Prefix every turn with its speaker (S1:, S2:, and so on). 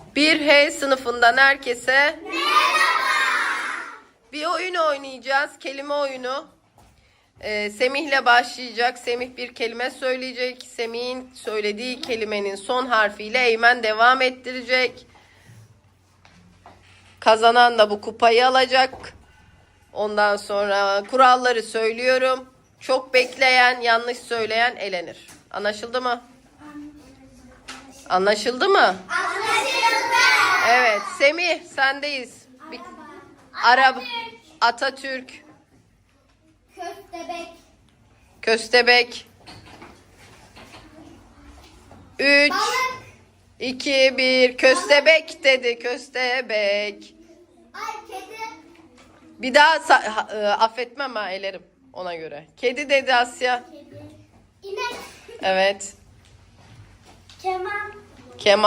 S1: 1H sınıfından herkese merhaba. Bir oyun oynayacağız. Kelime oyunu. Semih'le başlayacak. Semih bir kelime söyleyecek. Semih'in söylediği kelimenin son harfiyle Eymen devam ettirecek. Kazanan da bu kupayı alacak. Ondan sonra kuralları söylüyorum. Çok bekleyen, yanlış söyleyen elenir. Anlaşıldı mı? Anlaşıldı mı?
S2: Anlaşıldı.
S1: Evet. Semih sendeyiz. Atatürk.
S2: Köstebek.
S1: Köstebek. 3,
S2: Balık.
S1: 2, 1. Köstebek dedi. Köstebek.
S2: Ay kedi.
S1: Bir daha affetmem ha, elerim ona göre. Kedi dedi Asya.
S2: Kedi. İnek.
S1: Evet.
S2: Keman.
S1: Kemal.